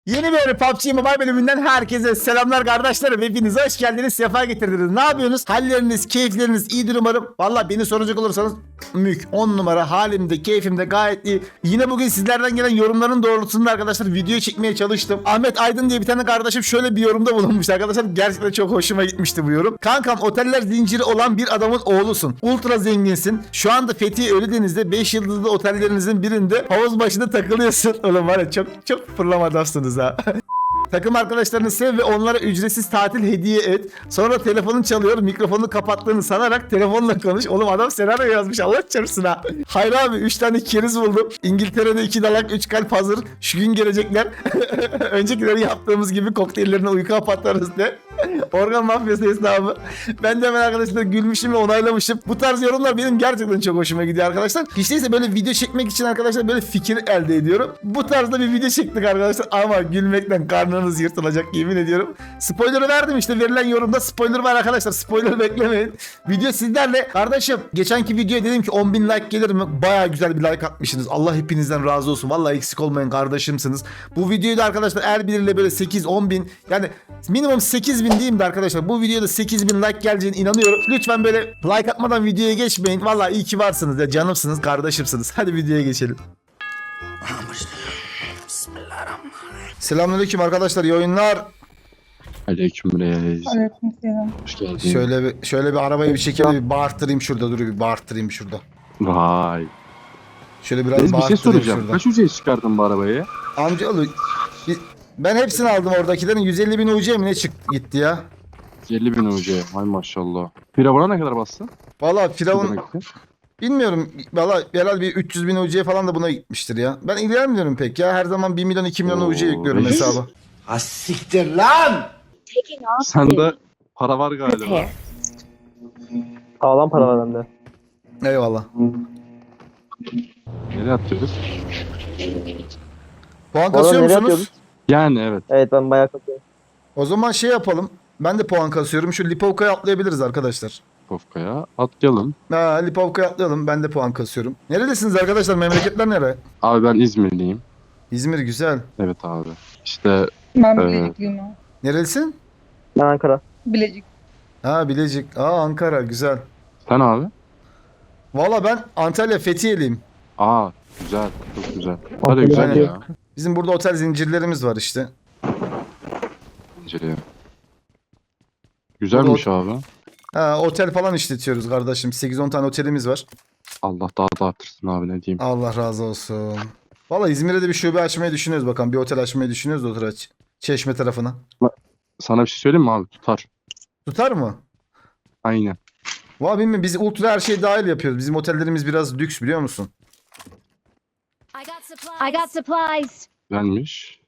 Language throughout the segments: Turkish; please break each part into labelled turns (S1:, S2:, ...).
S1: Yeni bir PUBG Mobile bölümünden herkese selamlar kardeşlerim. Hepiniz hoş geldiniz, sefa getirdiniz. Ne yapıyorsunuz? Halleriniz, keyifleriniz iyidir umarım. Valla beni soracak olursanız mük 10 numara, halimde, keyfimde gayet iyi. Yine bugün sizlerden gelen yorumların doğrultusunda arkadaşlar video çekmeye çalıştım. Ahmet Aydın diye bir tane kardeşim şöyle bir yorumda bulunmuş arkadaşlar. Gerçekten çok hoşuma gitmişti bu yorum. Kankam, oteller zinciri olan bir adamın oğlusun. Ultra zenginsin. Şu anda Fethiye Ölüdeniz'de 5 yıldızlı otellerinizin birinde havuz başında takılıyorsun. Oğlum var ya, çok fırlamadasınız ha. Takım arkadaşlarını sev ve onlara ücretsiz tatil hediye et. Sonra telefonun çalıyor, mikrofonunu kapattığını sanarak telefonla konuş. Oğlum adam senaryo yazmış, Allah çarpsın ha. Hayır abi, 3 tane keriz buldum. İngiltere'de 2 dalak 3 kalp hazır. Şu gün gelecekler. Öncekileri yaptığımız gibi kokteyllerine uyku patlarız de. Organ mafyası hesabı. Ben de hemen arkadaşlar gülmüşüm ve onaylamışım. Bu tarz yorumlar benim gerçekten çok hoşuma gidiyor arkadaşlar. Hiç değilse böyle video çekmek için arkadaşlar böyle fikir elde ediyorum. Bu tarzda bir video çektik arkadaşlar ama gülmekten karnınız yırtılacak, yemin ediyorum. Spoiler'ı verdim, işte verilen yorumda spoiler var arkadaşlar. Spoiler beklemeyin. Video sizlerle. Kardeşim, geçenki videoya dedim ki 10.000 like gelir mi? Baya güzel bir like atmışsınız. Allah hepinizden razı olsun. Vallahi eksik olmayın, kardeşimsiniz. Bu videoyu da arkadaşlar eğer biriyle böyle 8-10.000, yani minimum 8.000 diyeyim de arkadaşlar, bu videoda 8.000 like geleceğine inanıyorum. Lütfen böyle like atmadan videoya geçmeyin. Vallahi iyi ki varsınız ya, canımsınız, kardeşimsiniz. Hadi videoya geçelim. Selamünaleyküm arkadaşlar, iyi oyunlar.
S2: Aleyküm reis.
S3: Aleykümselam.
S2: Hoş geldin.
S1: Şöyle bir arabayı bir şekilde bir bağırttırayım şurada, dur bir bağırttırayım şurada.
S2: Vay.
S1: Şöyle biraz
S2: Reis bir şey
S1: bağırttırayım
S2: soracağım.
S1: şurada.
S2: Kaç ücret çıkardın bu arabaya?
S1: Amcaoğlu, ben hepsini aldım oradakilerin. 150.000 UC mi ne gitti ya?
S2: 50.000 UC. Hay maşallah. Firavun'a ne kadar bastın?
S1: Valla
S2: Ne
S1: Firavun
S2: demekti?
S1: bilmiyorum. Valla herhalde bir 300.000 UC falan da buna gitmiştir ya. Ben ilgilenmiyorum pek ya. Her zaman 1 milyon 2 milyon
S2: Oo,
S1: UC yüklüyorum
S2: reis.
S1: hesaba.
S4: Siktir lan!
S2: Sende para var galiba.
S5: Sağlam para var bende.
S1: Eyvallah.
S2: Nereye atıyoruz?
S1: Puan
S5: Bu arada
S1: kasıyor
S5: nereye
S1: musunuz?
S5: atıyorduk?
S2: Yani evet.
S5: Evet ben bayağı katıyorum.
S1: O zaman şey yapalım. Ben de puan kasıyorum. Şu Lipovka'ya atlayabiliriz arkadaşlar.
S2: Kofka'ya atlayalım.
S1: Ha, Lipovka'ya atlayalım. Ben de puan kasıyorum. Neredesiniz arkadaşlar? Memleketler nere?
S2: Abi ben İzmirliyim.
S1: İzmir güzel.
S2: Evet abi. İşte
S3: Ben
S2: Evet.
S3: Bilecikliyim ha.
S1: Nerelisin?
S5: Ben Ankara.
S3: Bilecik.
S1: Ha, Bilecik. Ankara güzel.
S2: sen abi.
S1: Valla ben Antalya Fethiye'liyim.
S2: Güzel. Çok güzel. Hadi güzel
S1: Aynen.
S2: ya.
S1: Bizim burada otel zincirlerimiz var işte.
S2: İnceleyelim. Güzelmiş abi.
S1: Ha, otel falan işletiyoruz kardeşim. 8-10 tane otelimiz var.
S2: Allah daha da artırsın abi, ne diyeyim.
S1: Allah razı olsun. Valla İzmir'de de bir şube açmayı düşünüyoruz bakalım. Bir otel açmayı düşünüyoruz da otel Çeşme tarafına.
S2: Sana bir şey söyleyeyim mi abi? Tutar.
S1: Tutar mı?
S2: Aynen.
S1: Valla bilmiyorum, biz ultra her şey dahil yapıyoruz. Bizim otellerimiz biraz lüks, biliyor musun?
S6: I got supplies.
S2: Güzelmiş.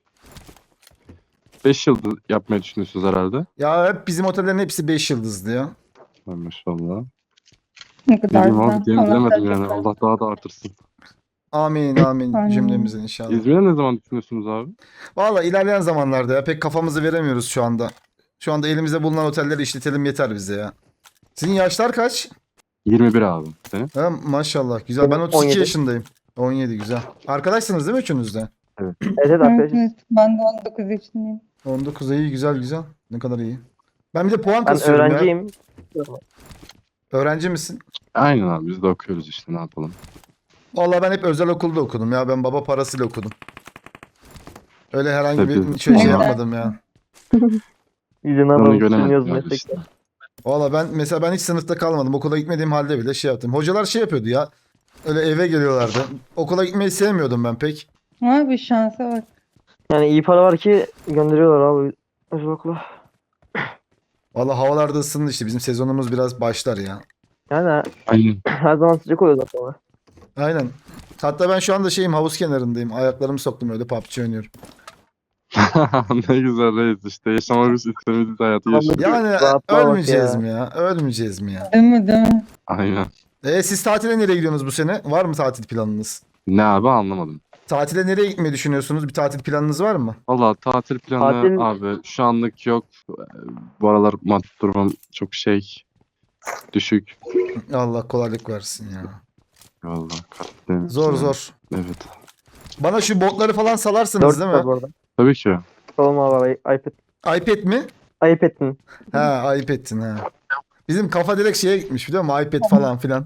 S2: 5 yıldız yapmayı düşünüyorsunuz herhalde.
S1: Ya hep bizim otellerin hepsi 5 yıldızlı ya.
S2: Ha, maşallah.
S3: Ne
S2: Ne
S3: kadar
S2: diyeyim
S3: güzel.
S2: abi, diyelim,
S3: Allah
S2: bilemedim yani.
S3: bereket versin.
S2: Allah daha da artırsın.
S1: Amin amin
S3: Amin.
S1: cümlemizin inşallah.
S2: İzmir'e ne zaman düşünüyorsunuz abi?
S1: Valla ilerleyen zamanlarda ya, pek kafamızı veremiyoruz şu anda. Şu anda elimizde bulunan otelleri işletelim yeter bize ya. Sizin yaşlar kaç?
S2: 21 abi. Senin?
S1: Ha, maşallah güzel. Ben 32
S5: 17.
S1: yaşındayım. 17 güzel. Arkadaşsınız değil mi üçünüz de?
S5: Evet
S3: Evet,
S5: arkadaşlar.
S3: evet. Ben de 19 yaşındayım.
S1: 19 iyi, güzel güzel. Ne kadar iyi. Ben bir de puan
S5: Ben
S1: kasıyorum ya.
S5: öğrenciyim.
S1: Öğrenci misin?
S2: Aynen abi, biz de okuyoruz işte, ne yapalım.
S1: Vallahi ben hep özel okulda okudum ya. Ben baba parasıyla okudum. Öyle herhangi bir
S2: Tabii.
S1: şey
S3: Evet.
S1: yapmadım ya.
S5: Yüzüne
S2: Onu
S5: alalım.
S2: göremedim
S5: Düşünüyoruz
S2: abi
S5: meslekte.
S2: işte.
S1: Valla ben mesela hiç sınıfta kalmadım. Okula gitmediğim halde bile şey yaptım. Hocalar şey yapıyordu ya. Öyle eve geliyorlardı. Okula gitmeyi sevmiyordum ben pek.
S3: Ama bir şansa bak.
S5: Yani iyi para var ki gönderiyorlar abi. Özel okula.
S1: Valla havalarda ısındı işte. Bizim sezonumuz biraz başlar ya.
S5: Yani
S2: Aynen.
S5: her zaman sıcak oluyor zaten. ama.
S1: Aynen. Hatta ben şu anda havuz kenarındayım. Ayaklarımı soktum, öyle PUBG oynuyorum.
S2: Ne güzel reis işte. Yaşamak istediğimiz hayatı yaşıyoruz.
S1: Yani
S5: Rahatlamak
S1: ölmeyeceğiz
S5: ya.
S1: mi ya? Ölmeyeceğiz mi ya?
S3: Değil mi, değil mi?
S2: Aynen.
S1: Siz tatile nereye gidiyorsunuz bu sene? Var mı tatil planınız?
S2: Ne abi, anlamadım.
S1: Tatile nereye gitmeyi düşünüyorsunuz? Bir tatil planınız var mı?
S2: Valla tatil planı
S5: Tatil-
S2: abi şu anlık yok. Bu aralar maddi durumum çok düşük.
S1: Allah kolaylık versin ya.
S2: Valla Karadeniz.
S1: Zor zor.
S2: Evet.
S1: Bana şu botları falan salarsınız
S5: Dört
S1: değil
S5: var
S1: mi?
S5: bu arada.
S2: Tabii ki.
S5: Oğlum abi iPad.
S1: iPad mi?
S5: iPad'in.
S1: Ha, iPad'tin ha. Bizim kafa direkt şeye gitmiş biliyor musun? iPad falan filan.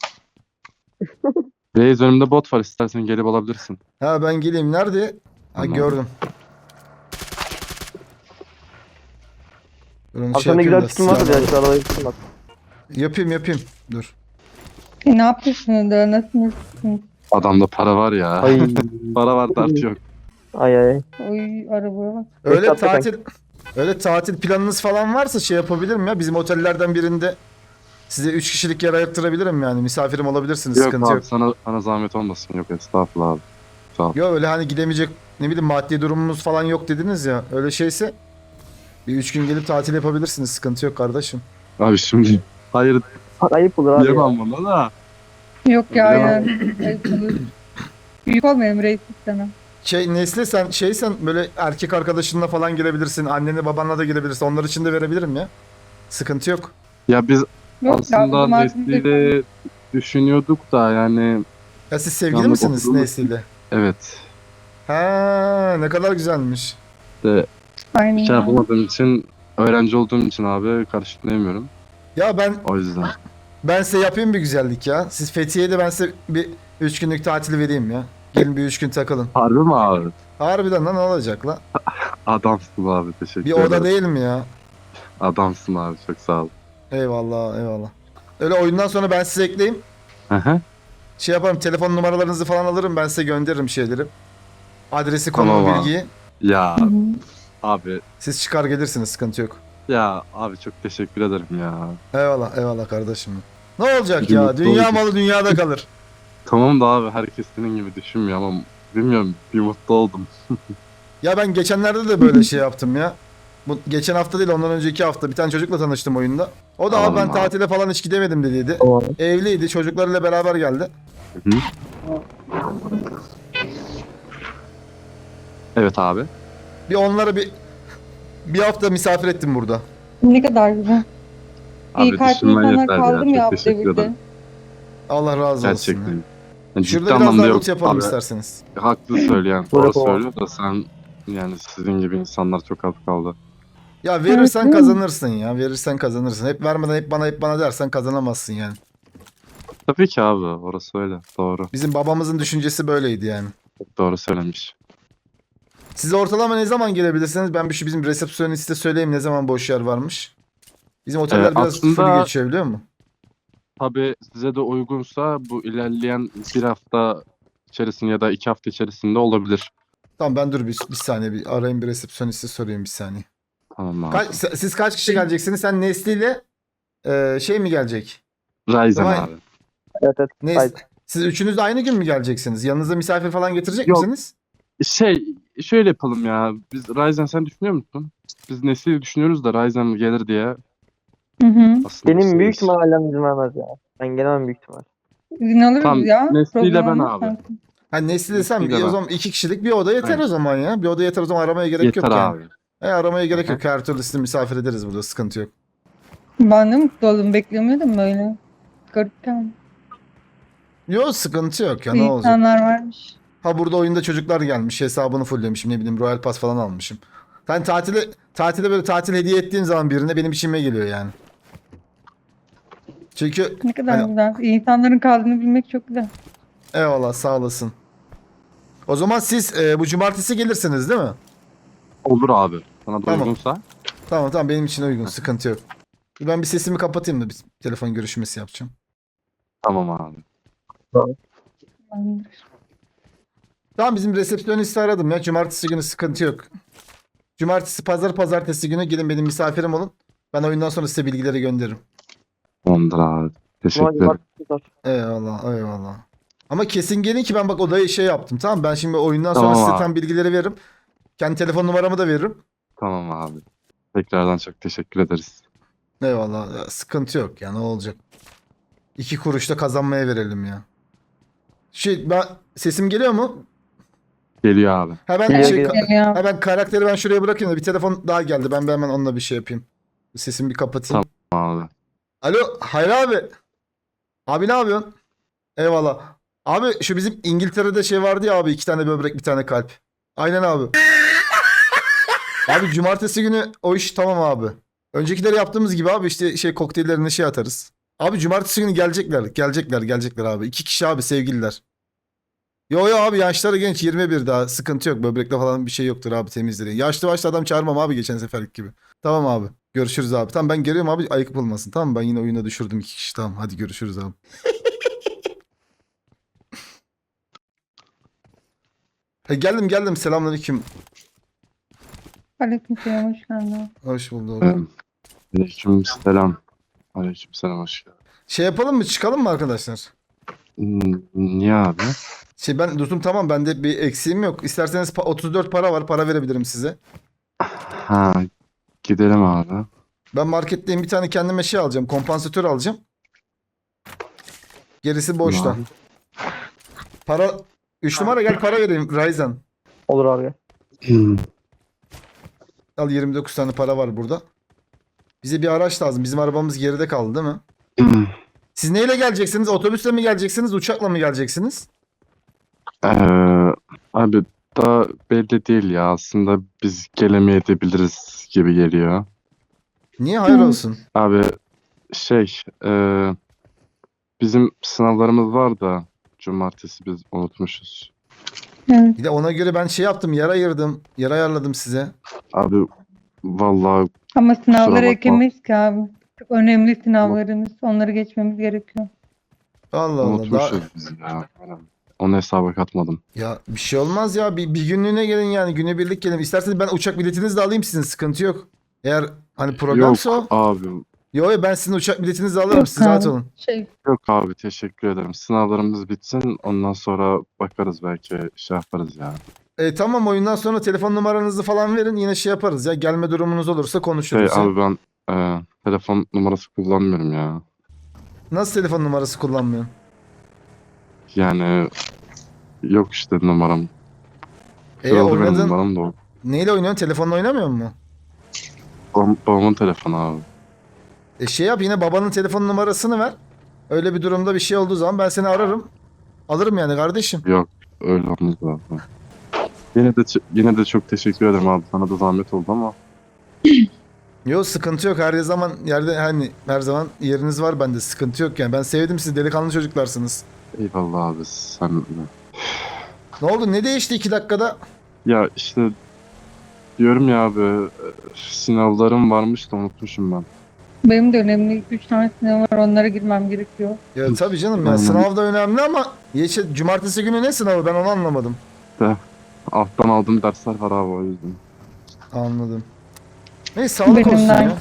S2: Reis önümde bot var, istersen gelip alabilirsin.
S1: Ha, ben geleyim. Nerede? Ha,
S2: Tamam.
S1: gördüm. Dur, onu
S5: Abi
S1: şey
S5: sende
S1: yapayım
S5: güzel
S1: da
S5: bir skin var
S1: silahla-
S5: ya. Şu arabaya gitsin bak.
S1: Yapayım. Dur.
S3: Ne yapıyorsunuz da nasılsınız?
S2: Adamda para var ya.
S5: Ay.
S2: Para var, dert yok.
S5: Ay.
S3: Oy arabaya bak.
S1: Öyle
S5: Hakikaten.
S1: tatil planınız falan varsa şey yapabilirim ya. Bizim otellerden birinde size 3 kişilik yer ayırttırabilirim yani. Misafirim olabilirsiniz.
S2: Yok
S1: Sıkıntı
S2: abi,
S1: yok.
S2: sana zahmet olmasın. Yok estağfurullah abi. Sağ ol.
S1: Yok öyle hani gidemeyecek ne bileyim maddi durumumuz falan yok dediniz ya. Öyle şeyse bir 3 gün gelip tatil yapabilirsiniz. Sıkıntı yok kardeşim.
S2: Abi şimdi hayır
S5: Ayıp olur abi ya.
S2: diyemem buna da.
S3: Yok ya
S2: Bilemem.
S3: yani. Ayıp olur. Büyük olmayalım reis istemem.
S1: Nesli sen böyle erkek arkadaşınla falan girebilirsin. Annenle babanla da girebilirsin. Onlar için de verebilirim ya. Sıkıntı yok.
S2: Ya biz
S3: Yok ya o
S2: aslında
S3: zaman
S2: Nesli'yle düşünüyorduk da yani
S1: Ya siz sevgili
S2: Yanlık
S1: misiniz
S2: okuduğumuz-
S1: Nesli'yle?
S2: evet.
S1: Ha, ne kadar güzelmiş.
S2: De
S3: Aynen.
S2: bir şey yapamadığım için, öğrenci olduğum için abi karşılayamıyorum.
S1: Ya
S2: O yüzden.
S1: ben size yapayım bir güzellik ya. Siz Fethiye'de ben size bir 3 günlük tatil vereyim ya. Gelin bir 3 gün takılın.
S2: Harbi mi abi?
S1: Harbiden lan ne olacak la?
S2: Adamsın abi, teşekkür
S1: Bir
S2: ederim.
S1: oda değil mi ya?
S2: Adamsın abi, çok sağ ol.
S1: Eyvallah. Öyle oyundan sonra ben size ekleyeyim.
S2: Hı hı.
S1: Şey yaparım, telefon numaralarınızı falan alırım, ben size gönderirim şeyleri. Adresi, konumu,
S2: Tamam abi.
S1: bilgiyi.
S2: Ya
S3: Hı hı.
S2: abi,
S1: Siz çıkar gelirsiniz, sıkıntı yok.
S2: ya abi çok teşekkür ederim ya.
S1: Eyvallah kardeşim. Ne olacak
S2: Bir
S1: ya?
S2: mutlu
S1: Dünya
S2: olduk.
S1: malı dünyada kalır.
S2: Tamam da abi, herkes senin gibi düşünmüyor ama bilmiyorum, bir mutlu oldum.
S1: Ya ben geçenlerde de böyle şey yaptım ya. Bu geçen hafta değil, ondan önceki hafta bir tane çocukla tanıştım oyunda. O da abi
S2: Tamam
S1: ben
S2: abi.
S1: tatile falan hiç gidemedim dediydi.
S5: Tamam.
S1: Evliydi, çocuklarıyla beraber geldi.
S2: Hı hı. Evet abi.
S1: Bir onlara bir hafta misafir ettim burada.
S3: Ne kadar güzel. İyi
S2: Abi
S3: kalpli
S2: düşünmen
S3: insanlar
S2: yeter
S3: kaldım
S2: ya.
S3: ya
S2: Çok
S3: bu
S2: teşekkür
S3: devirde.
S2: ederim.
S1: Allah razı olsun.
S2: Gerçekten.
S1: Ya.
S2: Yani
S1: Şurada
S2: ciddi
S1: biraz
S2: anlamda
S1: daha
S2: yok
S1: loot yapalım
S2: abi.
S1: isterseniz.
S2: Haklı söyleyen.
S5: Böyle
S2: Doğru
S5: tamam.
S2: söylüyor da sen, yani sizin gibi insanlar çok az kaldı.
S1: Ya verirsen
S3: değil mi?
S1: kazanırsın ya. Verirsen kazanırsın. Hep vermeden hep bana dersen kazanamazsın yani.
S2: Tabii ki abi, orası öyle. Doğru.
S1: Bizim babamızın düşüncesi böyleydi yani.
S2: Çok doğru söylemiş.
S1: Size ortalama ne zaman gelebilirsiniz? Ben şu bizim resepsiyoniste söyleyeyim ne zaman boş yer varmış. Bizim oteller biraz
S2: aslında-
S1: full geçiyor biliyor musun?
S2: Tabii size de uygunsa bu ilerleyen bir hafta içerisinde ya da 2 hafta içerisinde olabilir.
S1: Tamam ben dur bir saniye bir arayayım bir resepsiyoniste sorayım bir saniye.
S2: Tamam abi.
S1: Siz kaç kişi geleceksiniz? Sen Nesli ile şey mi gelecek?
S2: Ryzen
S1: Tamam.
S2: abi.
S5: Evet. Haydi.
S1: Siz üçünüz de aynı gün mü geleceksiniz? Yanınıza misafir falan getirecek
S2: Yok.
S1: misiniz?
S2: Şöyle yapalım ya. Biz Ryzen, sen düşünüyor musun? Biz Nesli'yi düşünüyoruz da Ryzen gelir diye.
S3: Hı hı.
S2: Aslında
S5: Benim
S2: biz-
S5: büyük ihtimalle ailem izin vermez ya. Ben gelemem büyük ihtimal.
S3: İzin alırız
S2: Tamam,
S3: ya.
S2: Nesli'yle
S3: Problem
S2: ben
S3: olmaz
S2: abi.
S3: sanki.
S1: Ha Nesli desem
S2: Nesli'yle
S1: o
S2: ben.
S1: zaman 2 kişilik bir oda yeter
S2: Aynen.
S1: o zaman ya. Bir oda yeter o zaman aramaya gerek
S2: Yeter
S1: yok yani.
S2: abi.
S1: Aramaya gerek
S2: Hı hı.
S1: yok. Her türlü sizi misafir ederiz burada. Sıkıntı yok.
S3: Ben de mutlu oldum. Beklemiyordum böyle. Garipten.
S1: Yok sıkıntı yok ya ne olacak.
S3: İnsanlar varmış.
S1: Ha burada oyunda çocuklar gelmiş. Hesabını fulllemişim. Ne bileyim Royal Pass falan almışım. Sen tatile böyle tatil hediye ettiğin zaman birine benim içime geliyor yani. Çünkü
S3: Ne kadar
S1: Hani-
S3: güzel. İnsanların kaldığını bilmek çok güzel.
S1: eyvallah sağ olasın. O zaman siz bu cumartesi gelirsiniz değil mi?
S2: Olur abi. Sana da
S1: Tamam.
S2: uygunsa.
S1: Tamam benim için uygun sıkıntı yok. Ben bir sesimi kapatayım da bir telefon görüşmesi yapacağım.
S2: Tamam abi.
S3: Tamamdır.
S1: Tamam bizim resepsiyonisti aradım ya. Cumartesi günü sıkıntı yok. Cumartesi, pazartesi günü gelin benim misafirim olun. Ben oyundan sonra size bilgileri gönderirim.
S2: Tamamdır abi. Teşekkür
S5: Ulan
S2: ederim.
S5: cumartesi var.
S1: Eyvallah. Ama kesin gelin ki ben bak odayı şey yaptım tamam mı? Ben şimdi oyundan sonra
S2: Tamam
S1: size
S2: abi.
S1: tam bilgileri veririm. Kendi telefon numaramı da veririm.
S2: Tamam abi. Tekrardan çok teşekkür ederiz.
S1: Eyvallah. Ya, sıkıntı yok ya ne olacak. 2 kuruş da kazanmaya verelim ya. Sesim geliyor mu?
S2: Geliyor abi.
S1: Hemen
S5: Geliyor.
S3: Geliyor.
S1: hemen karakteri ben şuraya bırakayım da bir telefon daha geldi. Ben hemen onunla bir şey yapayım. Sesimi bir kapatayım.
S2: Tamam abi.
S1: Alo Hayri abi. Abi ne yapıyorsun? Eyvallah. Abi şu bizim İngiltere'de şey vardı ya abi 2 tane böbrek bir tane kalp. Aynen abi. Abi cumartesi günü o iş tamam abi. Öncekileri yaptığımız gibi abi işte şey kokteyllerine şey atarız. Abi cumartesi günü gelecekler abi. 2 kişi abi sevgililer. Yo abi yaşları genç 21 daha sıkıntı yok. Böbrekte falan bir şey yoktur abi temizleri. Yaşlı başlı adam çağırmam abi geçen seferlik gibi. Tamam abi. Görüşürüz abi. Tamam ben geliyorum abi ayıp olmasın. Tamam ben yine oyuna düşürdüm 2 kişi. Tamam hadi görüşürüz abi. Geldim selamünaleyküm.
S3: Aleykümselam, hoş geldin.
S1: Hoş bulduk.
S2: Aleykümselam. Aleykümselam hoş geldin.
S1: Şey yapalım mı çıkalım mı arkadaşlar?
S2: Niye abi?
S1: Şey ben dostum tamam bende bir eksiğim yok. İsterseniz 34 para var para verebilirim size.
S2: Ha, gidelim abi.
S1: Ben marketteyim bir tane kendime şey alacağım. Kompansatör alacağım. Gerisi boşta.
S2: Tamam.
S1: Para 3 numara gel para vereyim Ryzen.
S5: Olur abi.
S1: Al 29 tane para var burada. Bize bir araç lazım. Bizim arabamız geride kaldı değil mi? Siz neyle geleceksiniz? Otobüsle mi geleceksiniz? Uçakla mı geleceksiniz?
S2: Ee, abi daha belli değil ya. Aslında biz gelemeyebiliriz gibi geliyor.
S1: Niye? Hayır olsun.
S2: Abi şey bizim sınavlarımız var da cumartesi biz unutmuşuz.
S3: Evet.
S1: Bir de ona göre ben şey yaptım. Yer ayırdım. Yer ayarladım size.
S2: Abi vallahi
S3: Ama sınavları
S2: bakma.
S3: ekemeyiz ki abi. Çok önemli sınavlarımız. Onları geçmemiz gerekiyor.
S1: Allah Allah.
S2: unutmuşuz biz ya. Onu hesaba katmadım.
S1: Ya bir şey olmaz ya. Bir günlüğüne gelin yani. Günübirlik gelin. İsterseniz ben uçak biletinizi de alayım sizin. Sıkıntı yok. Eğer hani problemse
S2: Yok
S1: o.
S2: abi.
S1: Yo ben sizin uçak biletinizi de alırım.
S3: Yok
S1: Siz rahat
S3: abi.
S1: olun.
S2: Yok abi teşekkür ederim. Sınavlarımız bitsin ondan sonra bakarız belki şey yaparız ya.
S1: Tamam oyundan sonra telefon numaranızı falan verin. Yine şey yaparız ya. Gelme durumunuz olursa konuşuruz. ya.
S2: Abi ben telefon numarası kullanmıyorum ya.
S1: Nasıl telefon numarası kullanmıyorsun?
S2: Yani yok işte numaram. Kırıldı benim
S1: Oynadın.
S2: numaram da o.
S1: Neyle oynuyorsun? Telefonla oynamıyor musun?
S2: Babamın telefonu abi.
S1: Şey yap yine babanın telefon numarasını ver. Öyle bir durumda bir şey olduğu zaman ben seni ararım. Alırım yani kardeşim.
S2: Yok öyle olmaz abi. Yine de çok teşekkür ederim abi. Sana da zahmet oldu ama.
S1: Yok sıkıntı yok. Her zaman yerde hani her zaman yeriniz var bende. Sıkıntı yok yani. Ben sevdim siz delikanlı çocuklarsınız.
S2: Eyvallah abi sen.
S1: Ne oldu? Ne değişti 2 dakikada?
S2: Ya işte diyorum ya abi sınavlarım varmış da unutmuşum ben.
S3: Benim de önemli 3 tane sınavım var. Onlara girmem gerekiyor.
S1: Ya tabii canım ya
S2: Aynen.
S1: sınav da önemli ama cumartesi günü ne sınavı ben onu anlamadım.
S2: Alttan aldığım dersler var abi o yüzden.
S1: Anladım. Neyse sağlık
S3: Benim
S1: olsun
S3: de
S1: ya.
S3: aynı.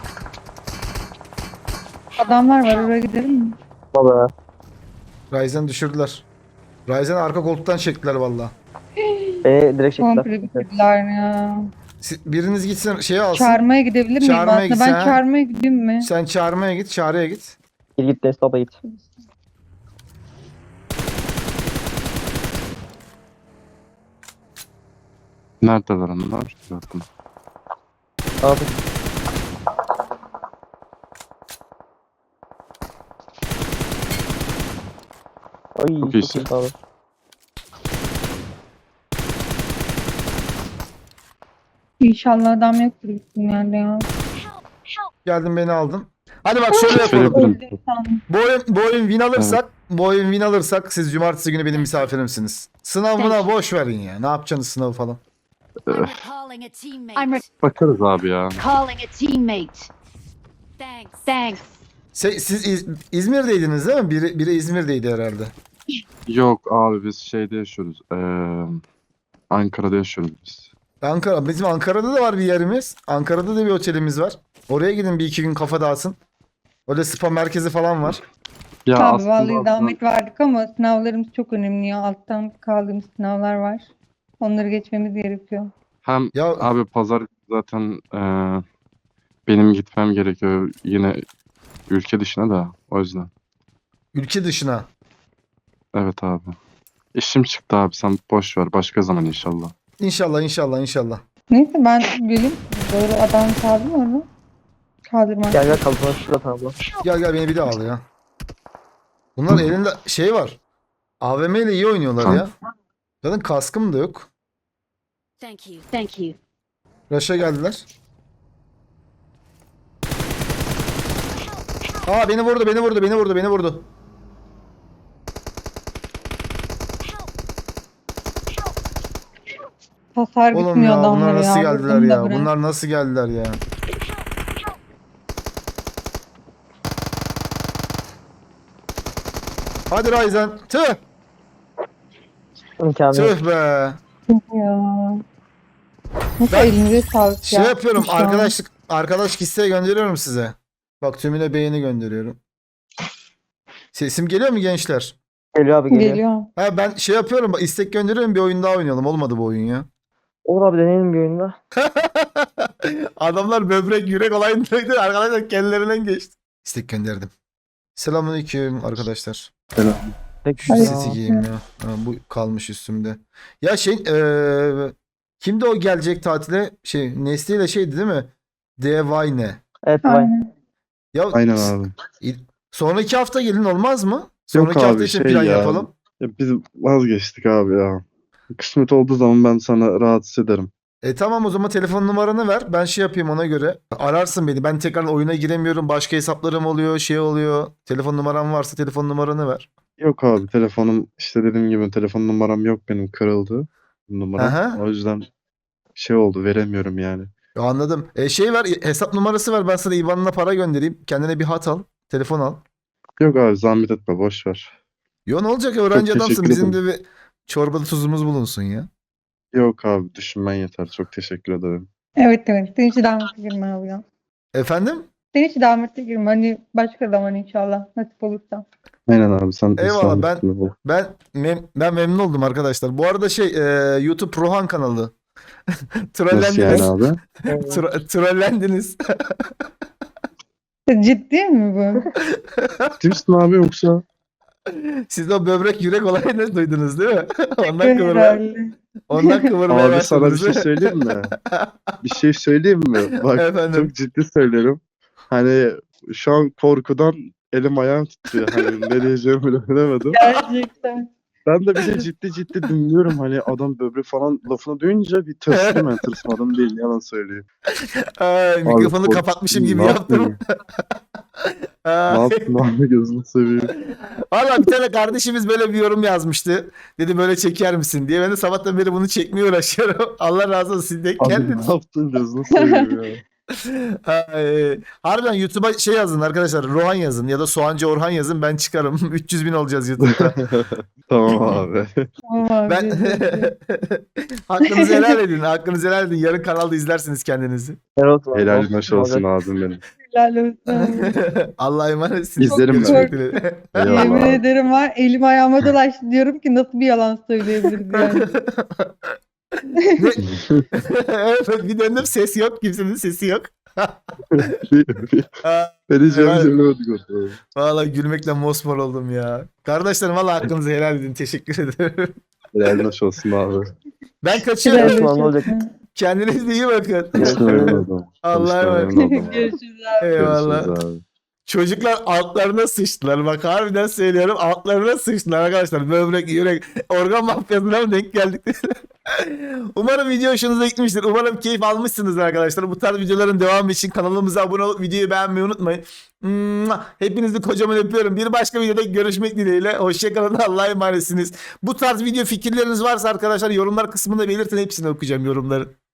S3: Adamlar var, oraya gidelim mi?
S5: Baba.
S1: Ryzen düşürdüler. Ryzen arka koltuktan çektiler valla.
S5: Beni direkt
S3: Komple
S5: çektiler.
S3: bitirdiler ya.
S1: Biriniz gitsin şeye alsın.
S3: Çağırmaya gidebilir miyim
S1: Çağırmaya
S3: aslında?
S1: gitsen,
S3: Ben
S1: ha?
S3: çağırmaya gideyim mi?
S1: Sen çağırmaya git, çağrıya git.
S5: Git git Deniz baba git.
S2: Neredeler onlar? Zaten.
S5: Abi. Ay
S2: Çok
S5: çok
S2: iyisin.
S5: iyi abi.
S3: İnşallah adam yoktur gittim yerde ya.
S1: Geldin beni aldın. Hadi bak şöyle
S2: Şöyle
S1: yapalım.
S2: yapalım.
S1: Bu oyun win alırsak siz cumartesi günü benim misafirimsiniz. Sınavına boş verin ya. Ne yapacaksınız sınavı falan?
S6: I'm recalling a teammate.
S2: Bakarız abi ya.
S6: Calling a teammate. Thanks.
S1: Siz İzmir'deydiniz değil mi? Biri İzmir'deydi herhalde.
S2: Yok abi biz şeyde yaşıyoruz. Ankara'da yaşıyoruz biz.
S1: Bizim Ankara'da da var bir yerimiz. Ankara'da da bir otelimiz var. Oraya gidin bir 2 gün kafa dağıtsın. Öyle spa merkezi falan var.
S2: Ya
S3: Abi
S2: aslında
S3: vallahi zahmet verdik ama sınavlarımız çok önemli ya. Alttan kaldığımız sınavlar var. Onları geçmemiz gerekiyor.
S2: hem
S1: Ya
S2: abi pazar zaten benim gitmem gerekiyor yine ülke dışına da o yüzden.
S1: ülke dışına.
S2: Evet abi. İşim çıktı abi sen boş ver başka zaman inşallah.
S1: İnşallah.
S3: Neyse ben geleyim. Doğru adam kaldı mı orada? Kaldırmaz.
S5: Gel kalkma şurada abla.
S1: Gel beni bir daha al ya. Bunlar elinde şey var. AVM ile iyi oynuyorlar
S2: Tamam.
S1: ya. Zaten kaskım da yok.
S6: Thank you.
S1: Rush'a geldiler. Aa beni vurdu.
S3: Hasar
S1: Oğlum
S3: bitmiyor
S1: ya bunlar
S3: adamlara
S1: nasıl
S3: ya.
S1: geldiler
S3: Bunu da
S1: ya?
S3: bırak.
S1: Bunlar nasıl geldiler ya? Hadi Ryzen. Tüh.
S5: İmkanı yok.
S1: Tüh be.
S3: Ya. Nasıl
S1: Ben
S3: elinize sağlık
S1: Şey
S3: ya.
S1: yapıyorum.
S3: Şu an.
S1: Arkadaş isteği gönderiyorum size. Bak tümüne beğeni gönderiyorum. Sesim geliyor mu gençler?
S5: Geliyor abi geliyor.
S3: Geliyor.
S1: Ha ben şey yapıyorum. Bak istek gönderiyorum. Bir oyun daha oynayalım. Olmadı bu oyun ya.
S5: Olur abi deneyelim bir oyunda.
S1: Adamlar böbrek yürek olayındaydı. Arkadaşlar kendilerinden geçti. İstek gönderdim. Selamünaleyküm arkadaşlar.
S5: Tek
S1: Şu
S3: Ay.
S1: seti giyeyim ya. Ha, bu kalmış üstümde. Ya kimdi o gelecek tatile? Nesli ile şeydi değil mi? Devayne.
S5: Evet vay.
S3: Aynen.
S1: Ya
S2: Aynen abi.
S1: sonraki hafta gelin olmaz mı? Sonraki
S2: abi,
S1: hafta için plan yapalım.
S2: Ya biz vazgeçtik abi ya. Kısmet olduğu zaman ben sana rahatsız ederim.
S1: Tamam o zaman telefon numaranı ver. Ben şey yapayım ona göre. Ararsın beni. Ben tekrar oyuna giremiyorum. Başka hesaplarım oluyor. Şey oluyor. Telefon numaram varsa telefon numaranı ver.
S2: Yok abi telefonum işte dediğim gibi telefon numaram yok benim kırıldı numaram.
S1: Aha.
S2: O yüzden şey oldu veremiyorum yani.
S1: Ya anladım. Şey ver. Hesap numarası ver. Ben sana IBAN'ına para göndereyim. Kendine bir hat al. Telefon al.
S2: Yok abi zahmet etme boş ver.
S1: Yo ne olacak ya, öğrenci
S2: Çok
S1: adamsın.
S2: teşekkür
S1: Bizim
S2: ederim.
S1: de bir çorbada tuzumuz bulunsun ya.
S2: Yok abi düşünmen yeter çok teşekkür ederim.
S3: Evet. Sen hiç davetli girme abi ya.
S1: Efendim?
S3: Sen hiç davetli girme. Hani başka zaman inşallah. Nasip olursa.
S2: Aynen abi sen
S1: Eyvallah,
S2: zahmet etme.
S1: Ben memnun oldum arkadaşlar. Bu arada YouTube Rohan kanalı.
S2: Nasıl yani
S1: Trollendiniz.
S2: abi?
S1: Trollendiniz.
S3: Ciddi mi bu?
S2: Kimsin abi yoksa?
S1: Siz o böbrek yürek olayını duydunuz değil mi?
S3: Herhalde.
S1: Ondan kıvırmaya
S2: Abi sana bir
S1: başladınız.
S2: şey söyleyeyim mi? Bir şey söyleyeyim mi? Bak
S1: Efendim.
S2: çok ciddi söylüyorum. Hani şu an korkudan elim ayağım titriyor. Hani ne diyeceğimi bile bilemedim.
S3: Gerçekten.
S2: Ben de bir de ciddi dinliyorum. Hani adam böbrek falan lafını duyunca bir tırsdım ben. Tırsmadım değil yalan söyleyeyim.
S1: Ay, mikrofonu
S2: kork-
S1: kapatmışım gibi
S2: ne
S1: yaptım.
S2: yapayım? Ne
S1: Ay.
S2: yaptın abi gözünü seveyim.
S1: Valla bir tane kardeşimiz böyle bir yorum yazmıştı. Dedi böyle çeker misin diye. Ben de sabahtan beri bunu çekmeye uğraşıyorum. Allah razı olsun. Siz de
S2: Abi
S1: kendiniz.
S2: ne yaptın gözünü seveyim ya.
S1: Harbiden YouTube'a şey yazın arkadaşlar. Rohan yazın ya da Soğancı Orhan yazın. Ben çıkarım. 300.000 olacağız YouTube'da.
S2: Tamam abi.
S3: Tamam abi.
S1: Ben hakkınızı helal edin. Hakkınızı helal edin. Yarın kanalda izlersiniz kendinizi.
S5: Helal olsun.
S2: Helal hoş olsun abim benim.
S3: Helal olsun.
S1: Allah'a emanetsiniz.
S2: İzlerim ben.
S1: Görüşmek dileğiyle.
S2: Eyvallah
S3: Yemin
S2: abi.
S3: ederim var. Elim ayağıma dolaştı. Diyorum ki nasıl bir yalan söyleyebiliriz yani.
S1: Evet, bir döndüm ses yok. Kimsenin sesi yok.
S2: Ne diyeceğimi
S1: Evet.
S2: bilemedik orada.
S1: Vallahi gülmekle mosmor oldum ya. Kardeşlerim vallahi hakkınızı helal edin. Teşekkür ederim.
S2: Helal hoş olsun abi.
S1: Ben
S3: Helal
S1: kaçıyorum.
S5: Helal olsun, ne
S3: olsun.
S5: olacak?
S1: Kendinize iyi bakın.
S2: Tanıştığım
S1: Allah'a emanet.
S3: Görüşürüz abi.
S1: Eyvallah.
S2: Görüşürüz abi.
S1: Çocuklar altlarına sıçtılar. Bak harbiden söylüyorum altlarına sıçtılar arkadaşlar. Böbrek, yürek, organ mafyasına mı denk geldik? Umarım video hoşunuza gitmiştir. Umarım keyif almışsınızdır arkadaşlar. Bu tarz videoların devamı için kanalımıza abone olup videoyu beğenmeyi unutmayın. Hepinizi kocaman öpüyorum. Bir başka videoda görüşmek dileğiyle. Hoşçakalın. Allah'a emanetsiniz. Bu tarz video fikirleriniz varsa arkadaşlar yorumlar kısmında belirtin. Hepsini okuyacağım yorumları.